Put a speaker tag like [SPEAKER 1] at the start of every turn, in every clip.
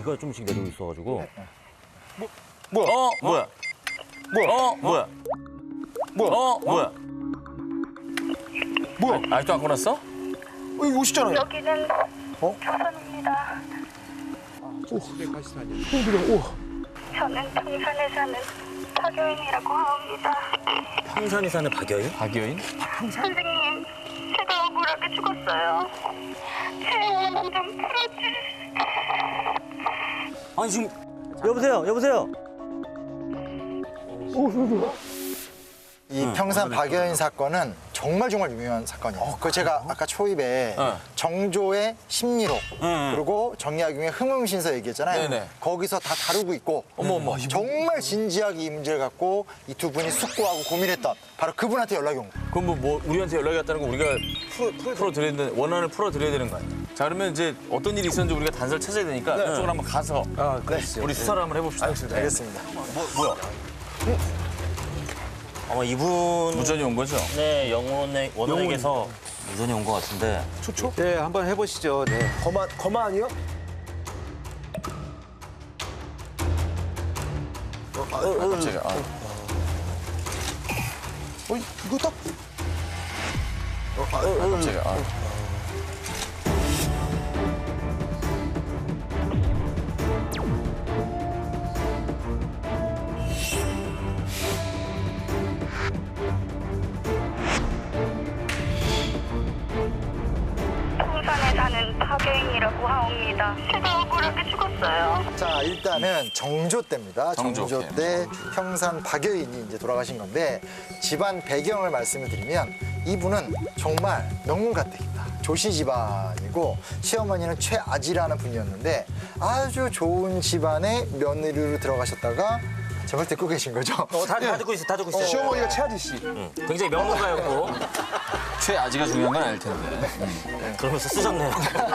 [SPEAKER 1] 비가 좀씩 내리고 있어가지고.
[SPEAKER 2] 뭐야?
[SPEAKER 1] 뭐야?
[SPEAKER 2] 뭐야? 뭐야?
[SPEAKER 1] 아직도 안 끊었어?
[SPEAKER 2] 이거 오시잖아요.
[SPEAKER 3] 여기는 조선입니다. 저는 평산에 사는 박여인이라고 합니다.
[SPEAKER 1] 평산이 사는 박여인?
[SPEAKER 2] 박여인?
[SPEAKER 3] 선생님, 제가 억울하게 죽었어요. 제 원한 좀 풀어주세요.
[SPEAKER 1] 아니 지금 여보세요.
[SPEAKER 4] 이 평산 박여인 사건은 정말 유명한 사건이에요. 그 제가 아까 초입에 정조의 심리록 그리고 정약용의 흥흥신서 얘기했잖아요.
[SPEAKER 2] 네네.
[SPEAKER 4] 거기서 다 다루고 있고 정말 진지하게 이 문제를 갖고 이 두 분이 숙고하고 고민했던 바로 그분한테 연락이 온 거예요.
[SPEAKER 2] 그럼 뭐 우리한테 연락이 왔다는 거 우리가 풀어드려야 되는 원한을 풀어드려야 되는 거 아니에요? 자 그러면 이제 어떤 일이 있었는지 우리가 단서를 찾아야 되니까 그쪽으로 한번 가서 우리 수사를 한번 해봅시다.
[SPEAKER 4] 알겠습니다.
[SPEAKER 2] 뭐야?
[SPEAKER 1] 아마 이분
[SPEAKER 2] 무전이 온 거죠?
[SPEAKER 1] 네 원원에게서 무전이 온 것 같은데.
[SPEAKER 5] 초초? 네, 한번 해보시죠. 네.
[SPEAKER 6] 거마 아니요?
[SPEAKER 2] 갑자기.
[SPEAKER 6] 이거 딱
[SPEAKER 2] 갑자기.
[SPEAKER 3] 평산에 사는 박여인이라고 하옵니다. 제가 억울하게 죽었어요.
[SPEAKER 4] 자 일단은 정조 때입니다.
[SPEAKER 2] 정조.
[SPEAKER 4] 정조 때 평산 박여인이 이제 돌아가신 건데 집안 배경을 말씀을 드리면 이분은 정말 명문가택입니다. 조씨 집안이고 시어머니는 최아지라는 분이었는데 아주 좋은 집안의 며느리로 들어가셨다가 저걸 듣고 계신 거죠?
[SPEAKER 1] 다 듣고 있어.
[SPEAKER 6] 시어머니가 최하지 씨.
[SPEAKER 1] 굉장히 명문가였고
[SPEAKER 2] 최아지가 중요한 건 아닐 텐데.
[SPEAKER 1] 그러면서 쓰셨네요.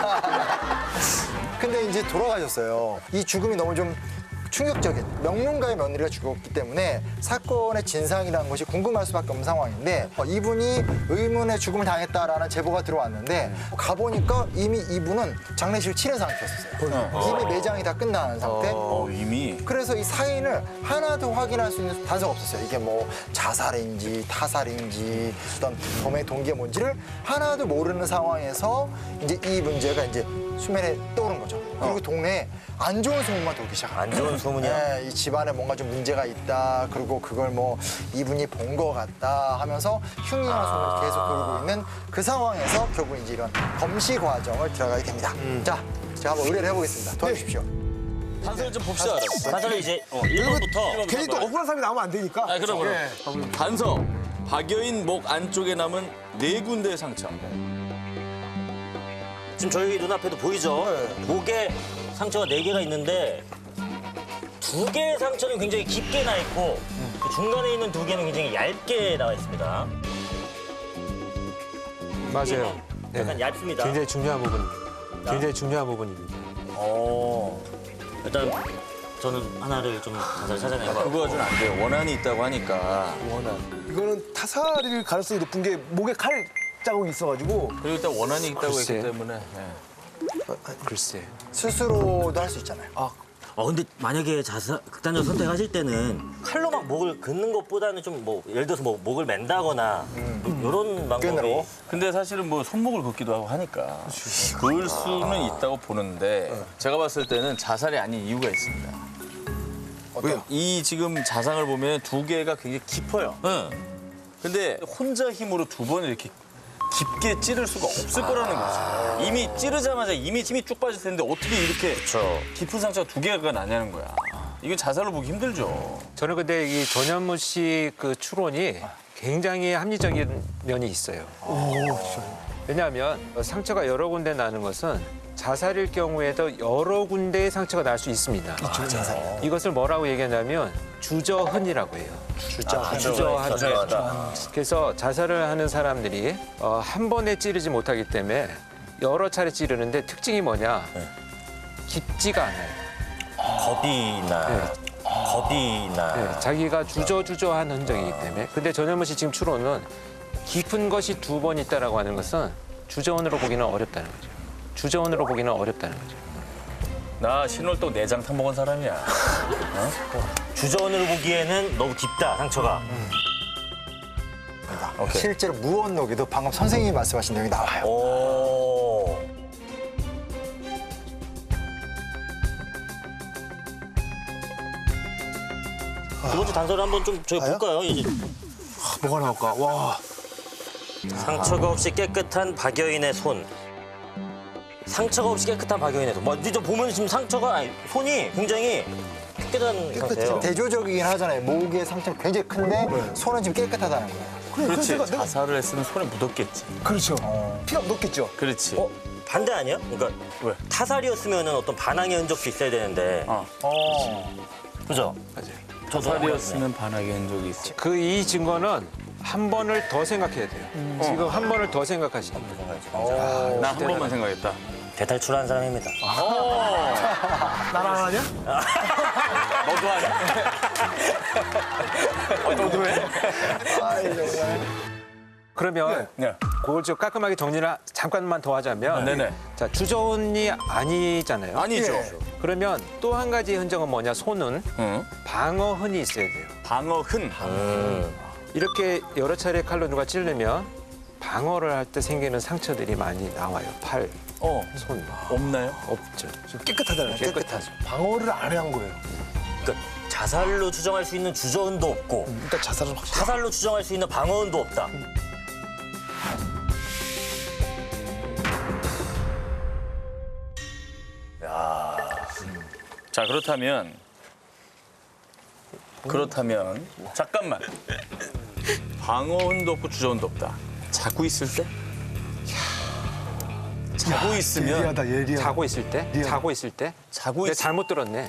[SPEAKER 4] 근데 이제 돌아가셨어요. 이 죽음이 너무 좀 충격적인 명문가의 며느리가 죽었기 때문에 사건의 진상이라는 것이 궁금할 수밖에 없는 상황인데 이분이 의문의 죽음을 당했다라는 제보가 들어왔는데 가보니까 이미 이분은 장례식을 치른 상태였어요. 이미 매장이 다 끝난 상태.
[SPEAKER 2] 이미.
[SPEAKER 4] 그래서 이 사인을 하나도 확인할 수 있는 단서가 없었어요. 이게 뭐 자살인지 타살인지 어떤 범행 동기가 뭔지를 하나도 모르는 상황에서 이제 이 문제가 이제 수면에 떠오른 거죠. 그리고 동네에 안 좋은 소문만 돌기 시작합니다.
[SPEAKER 1] 안 좋은 소문이요?
[SPEAKER 4] 네, 이 집안에 뭔가 좀 문제가 있다. 그리고 그걸 뭐 이분이 본 거 같다 하면서 흉흉한 소문이 계속 돌고 있는 그 상황에서 결국 이제 이런 검시 과정을 들어가게 됩니다. 자, 제가 한번 의뢰를 해보겠습니다. 도와주십시오.
[SPEAKER 2] 단서를 좀 봅시다.
[SPEAKER 1] 사실 이제 1번부터
[SPEAKER 6] 괜히 또 억울한 사람이 나오면 안 되니까.
[SPEAKER 2] 그럼. 단서. 박여인 목 안쪽에 남은 4군데의 상처.
[SPEAKER 1] 지금 저희 눈앞에도 보이죠? 목에 상처가 4개가 있는데 2개의 상처는 굉장히 깊게 나 있고 그 중간에 있는 2개는 굉장히 얇게 나와 있습니다.
[SPEAKER 5] 맞아요.
[SPEAKER 1] 약간 얇습니다.
[SPEAKER 5] 굉장히 중요한 부분입니다. 굉장히 중요한 부분입니다.
[SPEAKER 1] 일단 저는 하나를 좀 자세히 찾아내고
[SPEAKER 2] 그거 가지고는 안 돼요. 원한이 있다고 하니까.
[SPEAKER 6] 이거는 타살일 가능성이 높은 게 목에 칼 자국이 있어가지고
[SPEAKER 2] 그리고 일단 원한이 있다고
[SPEAKER 5] 글쎄.
[SPEAKER 2] 했기 때문에.
[SPEAKER 5] 글쎄.
[SPEAKER 4] 스스로도 할 수 있잖아요.
[SPEAKER 1] 근데 만약에 극단적 선택하실 때는 칼로 막 목을 긋는 것보다는 좀 뭐 예를 들어서 뭐 목을 맨다거나 이런 방법이
[SPEAKER 4] 끈으로.
[SPEAKER 2] 근데 사실은 뭐 손목을 긋기도 하고 하니까 그을 수는 있다고 보는데 제가 봤을 때는 자살이 아닌 이유가 있습니다.
[SPEAKER 4] 왜요?
[SPEAKER 2] 이 지금 자상을 보면 2개가 굉장히 깊어요. 근데 혼자 힘으로 2번 이렇게 깊게 찌를 수가 없을 거라는 거죠. 이미 찌르자마자 이미 힘이 쭉 빠질 텐데 어떻게 이렇게 깊은 상처가 2개가 나냐는 거야. 이건 자살로 보기 힘들죠.
[SPEAKER 5] 저는 근데 이 전현무 씨 그 추론이 굉장히 합리적인 면이 있어요. 왜냐하면 상처가 여러 군데 나는 것은 자살일 경우에도 여러 군데의 상처가 날 수 있습니다. 이것을 뭐라고 얘기하냐면 주저흔이라고 해요. 주저흔. 그래서 자살을 하는 사람들이 한 번에 찌르지 못하기 때문에 여러 차례 찌르는데 특징이 뭐냐? 깊지가 않아요.
[SPEAKER 1] 겁이 나.
[SPEAKER 5] 네, 자기가 주저한 흔적이기 때문에. 근데 전현무 씨 지금 추론은 깊은 것이 2번 있다라고 하는 것은 주저흔으로 보기는 어렵다는 거죠.
[SPEAKER 2] 나 신월동 내장 타먹은 사람이야.
[SPEAKER 1] 주전으로 보기에는 너무 깊다, 상처가.
[SPEAKER 2] 오케이.
[SPEAKER 4] 실제로 무원록에도 방금 선생님이 말씀하신 내용이 나와요.
[SPEAKER 1] 오. 두 번째 단서를 한번 좀 저희 볼까요? 이제
[SPEAKER 6] 뭐가 나올까? 와.
[SPEAKER 1] 상처가 없이 깨끗한 박여인의 손. 상처가 없이 깨끗한 박여인의 손. 뭐, 이제 보면 지금 상처가 아니, 손이 굉장히 깨끗한 상태예요.
[SPEAKER 4] 대조적이긴 하잖아요. 목의 상처는 굉장히 큰데 손은 지금 깨끗하다는 거예요.
[SPEAKER 2] 그렇지.
[SPEAKER 6] 내가-
[SPEAKER 2] 자살을 했으면 손에 묻었겠지.
[SPEAKER 6] 그렇죠. 피가 묻었겠죠.
[SPEAKER 2] 그렇지.
[SPEAKER 1] 반대 아니에요? 그러니까
[SPEAKER 2] 왜?
[SPEAKER 1] 타살이었으면 어떤 반항의 흔적도 있어야 되는데. 그죠?
[SPEAKER 2] 자살이었으면 반하게 한 적이 있어.
[SPEAKER 5] 그 이 증거는 한 번을 더 생각해야 돼요. 지금 한 번을 더 생각하시는 거예요.
[SPEAKER 2] 나 한 번만 생각했다.
[SPEAKER 1] 대탈출한 사람입니다.
[SPEAKER 6] 나랑 하냐?
[SPEAKER 2] 너도 하냐? 너도 해?
[SPEAKER 5] 그러면
[SPEAKER 2] 네.
[SPEAKER 5] 그걸 좀 깔끔하게 정리를 잠깐만 더 하자면
[SPEAKER 2] 네네.
[SPEAKER 5] 자, 주저운이 아니잖아요.
[SPEAKER 2] 아니죠.
[SPEAKER 5] 그러면 또 한 가지 흔적은 뭐냐? 손은
[SPEAKER 2] 응.
[SPEAKER 5] 방어흔이 있어야 돼요.
[SPEAKER 2] 방어흔.
[SPEAKER 5] 이렇게 여러 차례 칼로 누가 찌르면 방어를 할 때 생기는 상처들이 많이 나와요. 팔, 손.
[SPEAKER 2] 없나요?
[SPEAKER 5] 없죠.
[SPEAKER 6] 깨끗하잖아요.
[SPEAKER 5] 깨끗하죠.
[SPEAKER 6] 방어를 안 한 거예요.
[SPEAKER 1] 그러니까 자살로 추정할 수 있는 주저흔도 없고
[SPEAKER 6] 일단 자살은 확실히.
[SPEAKER 1] 타살로 추정할 수 있는 방어흔도 없다.
[SPEAKER 2] 자, 그렇다면 잠깐만. 방어흔도 없고 주저흔도 없다. 자고 있을 때? 자고 있으면
[SPEAKER 6] 예리하다, 예리하다.
[SPEAKER 5] 자고 있을 때? 자고 있을 때?
[SPEAKER 2] 자고
[SPEAKER 5] 내가
[SPEAKER 2] 있
[SPEAKER 5] 잘못 들었네.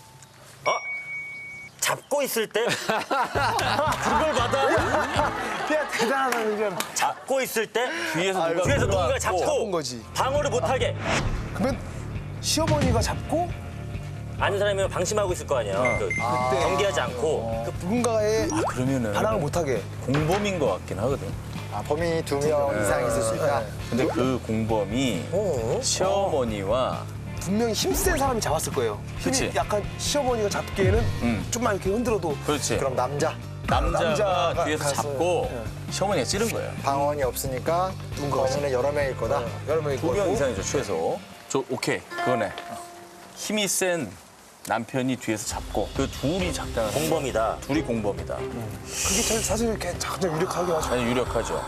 [SPEAKER 1] 잡고 있을 때 그걸 받아?
[SPEAKER 6] 야, 대단하다, 이건.
[SPEAKER 1] 잡고 있을 때
[SPEAKER 2] 뒤에서 누가
[SPEAKER 1] 뒤에서 누군가
[SPEAKER 6] 잡은
[SPEAKER 1] 잡고
[SPEAKER 6] 거지.
[SPEAKER 1] 방어를 못하게
[SPEAKER 6] 그러면 시어머니가 잡고
[SPEAKER 1] 아는 사람이면 방심하고 있을 거 아니에요. 경계하지 않고
[SPEAKER 6] 누군가의
[SPEAKER 2] 그러면은
[SPEAKER 6] 반항을 못하게.
[SPEAKER 2] 공범인 것 같긴 하거든.
[SPEAKER 4] 범인이 2명 이상 있을 수 있다.
[SPEAKER 2] 근데 그 공범이 시어머니와
[SPEAKER 6] 분명히 힘센 사람이 잡았을 거예요. 힘이
[SPEAKER 2] 그치.
[SPEAKER 6] 약간 시어머니가 잡기에는 좀만 이렇게 흔들어도
[SPEAKER 2] 그렇지.
[SPEAKER 4] 그럼 남자가
[SPEAKER 2] 남자가 뒤에서
[SPEAKER 6] 가서,
[SPEAKER 2] 잡고 시어머니가 찌른 거예요.
[SPEAKER 4] 방언이 없으니까 범인은 여러 명일 거다.
[SPEAKER 6] 여러 명이
[SPEAKER 2] 두 명 이상이죠, 최소. 오케이, 그거네. 힘이 센 남편이 뒤에서 잡고 그 둘이 작당한
[SPEAKER 1] 공범이다.
[SPEAKER 2] 둘이 공범이다.
[SPEAKER 6] 그게 사실 이렇게 가장 유력하게 하죠.
[SPEAKER 2] 아니 유력하죠.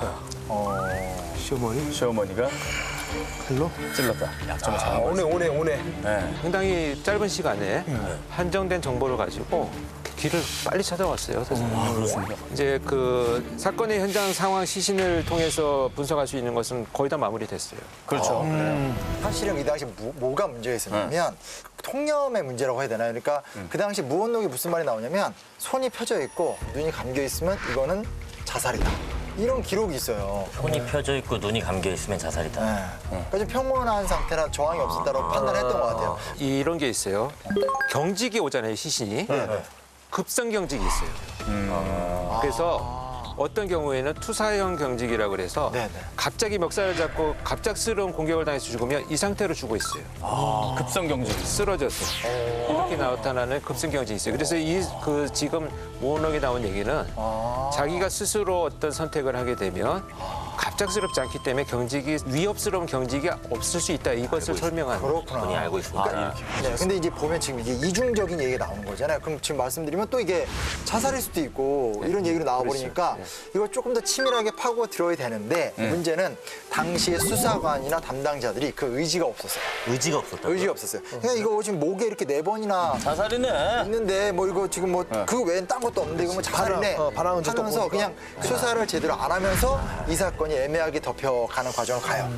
[SPEAKER 2] 시어머니가
[SPEAKER 6] 칼로?
[SPEAKER 2] 찔렀다. 약점을 잡은 거지.
[SPEAKER 6] 오네.
[SPEAKER 2] 네.
[SPEAKER 5] 상당히 짧은 시간에 한정된 정보를 가지고 길을 빨리 찾아왔어요. 세상에.
[SPEAKER 2] 그렇습니다.
[SPEAKER 5] 이제 그 사건의 현장 상황 시신을 통해서 분석할 수 있는 것은 거의 다 마무리됐어요.
[SPEAKER 2] 그렇죠.
[SPEAKER 4] 사실은 이 당시 뭐가 문제가 있었냐면 통념의 문제라고 해야 되나요? 그러니까 그 당시 무언록이 무슨 말이 나오냐면 손이 펴져 있고 눈이 감겨 있으면 이거는 자살이다. 이런 기록이 있어요.
[SPEAKER 1] 손이 펴져 있고 눈이 감겨 있으면 자살이다.
[SPEAKER 4] 네. 그러니까 좀 평온한 상태라 저항이 없었다고 판단했던 것 같아요.
[SPEAKER 5] 이런 게 있어요. 경직이 오잖아요, 시신이. 급성 경직이 있어요. 그래서 어떤 경우에는 투사형 경직이라고 그래서
[SPEAKER 4] 네네.
[SPEAKER 5] 갑자기 멱살을 잡고 갑작스러운 공격을 당해서 죽으면 이 상태로 죽어 있어요.
[SPEAKER 2] 급성 경직.
[SPEAKER 5] 쓰러져서 이렇게 나타나는 급성 경직이 있어요. 그래서 지금 모원록에 나온 얘기는 자기가 스스로 어떤 선택을 하게 되면 갑작스럽지 않기 때문에 위협스러운 경직이 없을 수 있다. 이것을 설명하는 거죠.
[SPEAKER 4] 그렇구나.
[SPEAKER 1] 본인이 알고 있습니다.
[SPEAKER 4] 네, 근데 이제 보면 지금 이게 이중적인 얘기가 나오는 거잖아요. 그럼 지금 말씀드리면 또 이게 자살일 수도 있고 이런 얘기로 나와버리니까 이걸 조금 더 치밀하게 파고 들어야 되는데 문제는 당시의 수사관이나 담당자들이 그 의지가 없었어요.
[SPEAKER 1] 의지가 없었다.
[SPEAKER 4] 의지가 없었어요. 그냥 이거 지금 목에 이렇게 4번이나
[SPEAKER 2] 자살이네.
[SPEAKER 4] 있는데 뭐 이거 지금 뭐 그 외엔 딴 것도 없는데 이거 뭐 자살이네
[SPEAKER 6] 반항은 좀
[SPEAKER 4] 하면서
[SPEAKER 6] 또
[SPEAKER 4] 그냥 수사를 제대로 안 하면서 이 사건이 애매하게 덮여가는 과정을 가요.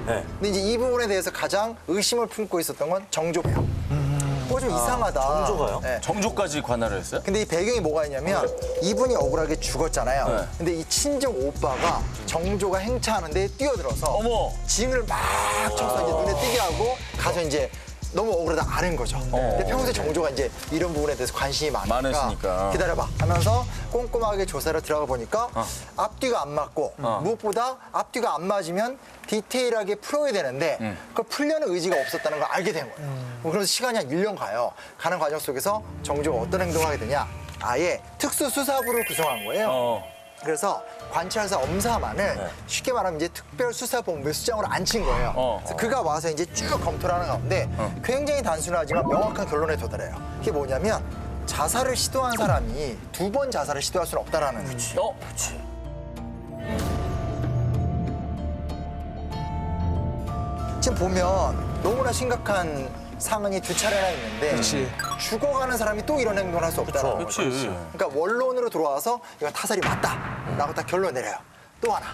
[SPEAKER 1] 네.
[SPEAKER 4] 근데 이제 이 부분에 대해서 가장 의심을 품고 있었던 건 정조배요. 좀 이상하다.
[SPEAKER 1] 정조가요?
[SPEAKER 4] 네.
[SPEAKER 2] 정조까지 관할을 했어요?
[SPEAKER 4] 근데 이 배경이 뭐가 있냐면 이분이 억울하게 죽었잖아요.
[SPEAKER 2] 네.
[SPEAKER 4] 근데 이 친정 오빠가 정조가 행차하는데 뛰어들어서
[SPEAKER 2] 어머.
[SPEAKER 4] 징을 막 쳐서 이제 눈에 띄게 하고 가서 이제 너무 억울하다 아는 거죠. 근데 평소에 정조가 이제 이런 부분에 대해서 관심이
[SPEAKER 2] 많으시니까.
[SPEAKER 4] 기다려봐 하면서 꼼꼼하게 조사를 들어가 보니까 앞뒤가 안 맞고 무엇보다 앞뒤가 안 맞으면 디테일하게 풀어야 되는데 그걸 풀려는 의지가 없었다는 걸 알게 된 거예요. 그래서 시간이 한 1년 가요. 가는 과정 속에서 정조가 어떤 행동을 하게 되냐. 아예 특수수사부를 구성한 거예요. 그래서 관찰사 엄사만을 쉽게 말하면 이제 특별수사본부의 수장으로 앉힌 거예요. 그래서 그가 와서 이제 쭉 검토를 하는 가운데 굉장히 단순하지만 명확한 결론에 도달해요. 그게 뭐냐면 자살을 시도한 사람이 2번 자살을 시도할 수는 없다라는 거죠. 지금 보면 너무나 심각한 상황이 2차례나 있는데
[SPEAKER 6] 그렇지.
[SPEAKER 4] 죽어가는 사람이 또 이런 행동을 할 수 없다는 거죠.
[SPEAKER 2] 그렇지.
[SPEAKER 4] 그러니까 원론으로 들어와서 이건 타살이 맞다라고 딱 결론 내려요. 또 하나.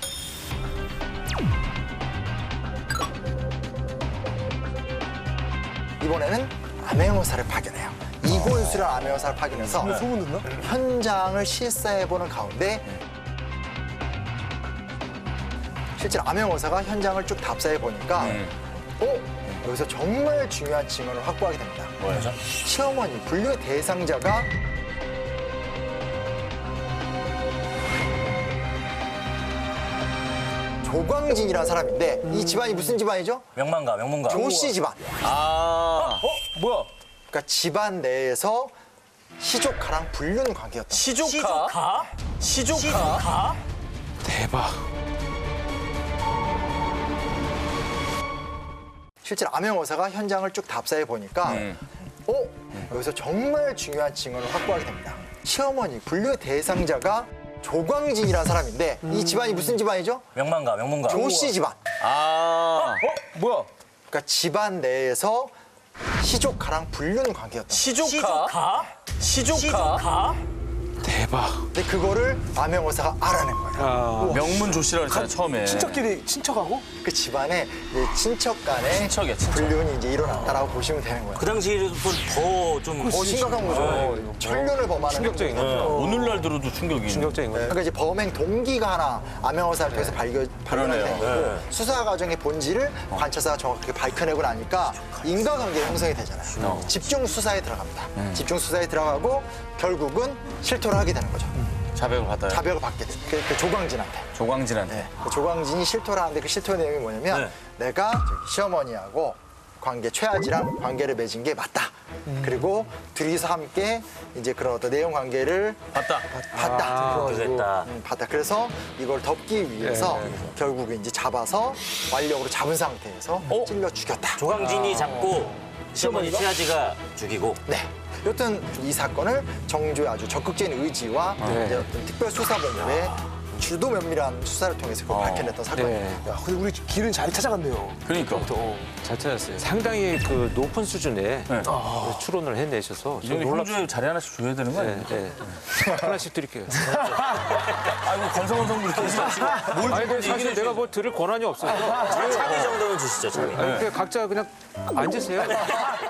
[SPEAKER 4] 이번에는 암행어사를 파견해요. 이곤수라는 암행어사를 파견해서
[SPEAKER 6] 소문 듣나?
[SPEAKER 4] 현장을 실사해보는 가운데 실제로 암행어사가 현장을 쭉 답사해보니까 여기서 정말 중요한 증언을 확보하게 됩니다.
[SPEAKER 2] 뭐죠?
[SPEAKER 4] 시어머니, 불륜의 대상자가 조광진이라는 사람인데 이 집안이 무슨 집안이죠?
[SPEAKER 1] 명문가.
[SPEAKER 4] 조씨 집안.
[SPEAKER 6] 뭐야?
[SPEAKER 4] 그러니까 집안 내에서 시조카랑 불륜 관계였다.
[SPEAKER 2] 시조카? 시조카?
[SPEAKER 5] 대박.
[SPEAKER 4] 실제로 암행어사가 현장을 쭉 답사해 보니까 여기서 정말 중요한 증언을 확보하게 됩니다. 시어머니, 불륜의 대상자가 조광진이라는 사람인데 이 집안이 무슨 집안이죠?
[SPEAKER 1] 명문가.
[SPEAKER 4] 조씨 집안.
[SPEAKER 6] 뭐야?
[SPEAKER 4] 그러니까 집안 내에서 시조카랑 불륜 관계였다.
[SPEAKER 2] 시조카?
[SPEAKER 5] 대박.
[SPEAKER 4] 근데 그거를 암행어사가 알아낸 거예요.
[SPEAKER 2] 명문 조씨라고 했잖아요, 처음에.
[SPEAKER 6] 친척끼리 친척하고?
[SPEAKER 4] 그 집안에 이제 친척 간에
[SPEAKER 2] 친척이야, 친척.
[SPEAKER 4] 불륜이 이제 일어났다라고 보시면 되는 거예요.
[SPEAKER 1] 그 당시에도 더좀
[SPEAKER 4] 심각한 거죠. 천륜을 범하는
[SPEAKER 5] 충격적인
[SPEAKER 4] 행동이죠.
[SPEAKER 5] 거죠.
[SPEAKER 2] 오늘날 들어도 충격이.
[SPEAKER 5] 충격적인 거죠.
[SPEAKER 4] 그러니까 이제 범행 동기가 하나 암행어사를 통해서 발견하게
[SPEAKER 2] 그러네요.
[SPEAKER 4] 된 거고 수사 과정의 본질을 관찰사가 정확하게 밝혀내고 나니까 인과관계 형성이 되잖아요. 집중 수사에 들어갑니다. 집중 수사에 들어가고 결국은 실토를 하게 되는 거죠.
[SPEAKER 2] 자백을 받아요.
[SPEAKER 4] 자백을 받게 돼요. 그 조광진한테.
[SPEAKER 2] 조광진한테.
[SPEAKER 4] 네. 그 조광진이 실토를 하는데 그 실토의 내용이 뭐냐면 내가 저기 시어머니하고 최아지랑 관계를 맺은 게 맞다. 그리고 둘이서 함께 이제 그런 어떤 내용 관계를
[SPEAKER 2] 봤다.
[SPEAKER 4] 봤다.
[SPEAKER 1] 그랬다.
[SPEAKER 4] 봤다. 그래서 이걸 덮기 위해서 결국에 이제 잡아서 완력으로 잡은 상태에서 찔러 죽였다.
[SPEAKER 1] 조광진이 잡고 시어머니 최아지가 죽이고.
[SPEAKER 4] 네. 여튼 이 사건을 정조의 아주 적극적인 의지와 이제 어떤 특별수사본부의 주도 면밀한 수사를 통해서 그걸 밝혀냈던 사건이에요.
[SPEAKER 5] 네.
[SPEAKER 6] 야, 근데 우리 길은 잘 찾아갔네요.
[SPEAKER 2] 그러니까.
[SPEAKER 5] 잘 찾았어요. 상당히 그 높은 수준의 추론을 해내셔서
[SPEAKER 2] 이 정도 홍조에 자리 하나씩 줘야 되는 거 아니에요?
[SPEAKER 5] 네. 하나씩 드릴게요.
[SPEAKER 2] 아이고, 건성건성 그렇게 하시고. 뭘
[SPEAKER 5] 아니, 근데
[SPEAKER 2] 주는지
[SPEAKER 5] 사실
[SPEAKER 2] 얘기를
[SPEAKER 5] 내가 뭐 들을 권한이 없어요.
[SPEAKER 1] 차비 정도는 주시죠, 차비.
[SPEAKER 5] 그냥 각자 그냥 앉으세요.